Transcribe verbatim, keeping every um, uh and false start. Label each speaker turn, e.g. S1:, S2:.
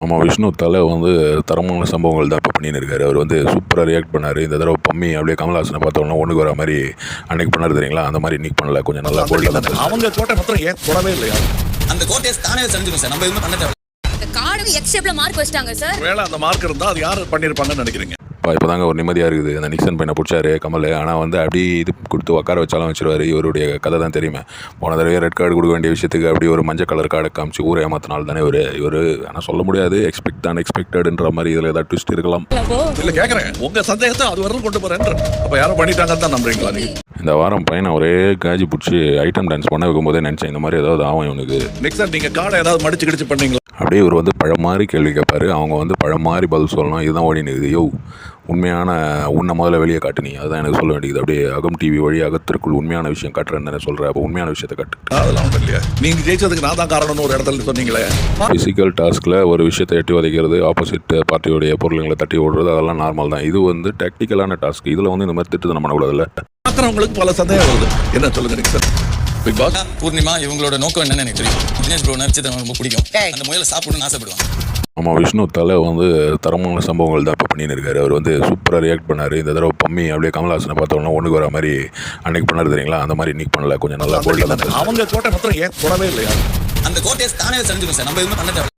S1: நம்ம விஷ்ணு தலை வந்து தரமான சம்பவங்கள் தான் இப்போ பண்ணின்னு இருக்காரு. அவர் வந்து சூப்பராக ரியாக்ட் பண்ணார். இந்த தடவை பம்மி அப்படியே கமல்ஹாசனை பார்த்தோன்னா ஒன்றுக்கு வர மாதிரி அன்னைக்கு பண்ணார் தெரியுங்களா, அந்த மாதிரி இன்னைக்கு பண்ணல, கொஞ்சம் நல்லா போல்டாக தான்.
S2: அவங்க கோட்டை மாத்திரம் ஏன் தொடவே இல்லையா?
S3: அந்த கோட்டையை தானே செஞ்சிடும் சார், நம்ம எதுவும் பண்ண தேவை.
S4: இந்த கார்டுக்கு எக்ஸ் ஷேப்ல மார்க் வச்சிட்டாங்க சார்.
S2: வேளை அந்த மார்க் இருந்தால் அது யார் பண்ணியிருப்பாங்கன்னு நினைக்கிறீங்க?
S1: இப்போ தாங்க ஒரு நிம்மதியாக இருக்குது. அந்த நிக்சன் பையனை பிடிச்சாரு கமல், ஆனால் வந்து அப்படி இது கொடுத்து உட்கார வச்சாலும் வச்சிருவார். இவருடைய கதை தான் தெரியுமே. போன தடவை ரெட் கார்டு கொடுக்க வேண்டிய விஷயத்துக்கு அப்படி ஒரு மஞ்சள் கலர் கார்டை காமிச்சு ஊரை ஏமாத்தினால் தானே இவர் இவர் ஆனால் சொல்ல முடியாது. எக்ஸ்பெக்ட் தான் எக்ஸ்பெக்டடுன்ற மாதிரி இதில் ஏதாவது ட்விஸ்ட் இருக்கலாம்.
S2: இல்லை கேட்குறேன், உங்கள் சந்தேகத்தை அது வரலும் கொண்டு போகிறேன். அப்போ யாரும் பண்ணிட்டாங்கன்னு தான் நம்புறீங்களா நீங்கள்?
S1: இந்த வாரம் பையனை ஒரே காஜி பிடிச்சி ஐட்டம் டான்ஸ் பண்ண வைக்கும் போதே நினச்சேன் இந்த மாதிரி ஏதாவது ஆகும் இவனுக்கு.
S2: நெக்ஸ்ட் நீங்கள் கார்டை ஏதாவது மடிச்சு கிடிச்சு பண்ணீங்களா?
S1: அப்படியே இவர் வந்து பழம் மாதிரி கேள்வி கேட்பாரு, அவங்க வந்து பழம் மாதிரி பதில் சொல்லணும். இதுதான் ஓடி நிற்குது. யோ, உண்மையான உன்னை முதல்ல வெளியே காட்டுனீங்க, அதுதான் எனக்கு சொல்ல வேண்டியது. அப்படியே அகம் டிவி வழி அகத்திற்குள் உண்மையான விஷயம் காட்டுறேன்னு சொல்கிறேன். அப்போ உண்மையான விஷயத்தை காட்டு.
S2: அதெல்லாம் ஒன்றும் இல்லையா? நீங்கள் ஜெயிச்சதுக்கு நான் தான் காரணம்னு ஒரு இடத்துல சொன்னீங்களே.
S1: ஃபிசிக்கல் டாஸ்கில் ஒரு விஷயத்தை எட்டி உதைக்கிறது, ஆப்போசிட் பார்ட்டியோடைய பொருளுங்களை தட்டி ஓடுறது, அதெல்லாம் நார்மல் தான். இது வந்து டெக்னிக்கலான டாஸ்க். இதில் வந்து இந்த மாதிரி திட்டு நம்ம பண்ணக்கூடாதுல்ல.
S2: பார்க்குறவங்களுக்கு பல சந்தேகம் வருது. என்ன சொல்லுங்க நீங்கள் சார்? பிக் பாஸ்
S3: பூர்ணிமா இவங்களோட நோக்கம் என்னன்னு எனக்கு தெரியும். தினேஷ் ப்ரோ நடிச்சது ரொம்ப பிடிக்கும். அந்த முயலை சாப்பிடணும்னு ஆசைப்படுவாங்க.
S1: நம்ம விஷ்ணு தலை வந்து தரமான சம்பவங்கள் தான் இப்போ பண்ணின்னு இருக்காரு. அவர் வந்து சூப்பராக ரியாக்ட் பண்ணார். இந்த தடவை பம்மி அப்படியே கமல்ஹாசனை பார்த்தோன்னா ஒன்றுக்கு வர மாதிரி அன்னைக்கு பண்ணார் தெரியுங்களா, அந்த மாதிரி இன்னைக்கு பண்ணல, கொஞ்சம் நல்லா போல்டாக தான்.
S2: அவங்க கோட்டை மாத்திரம் ஏன் தொடவே இல்லையா?
S3: அந்த கோட்டையை தானே செஞ்சிடும் சார், நம்ம எதுவும் பண்ண தேவை.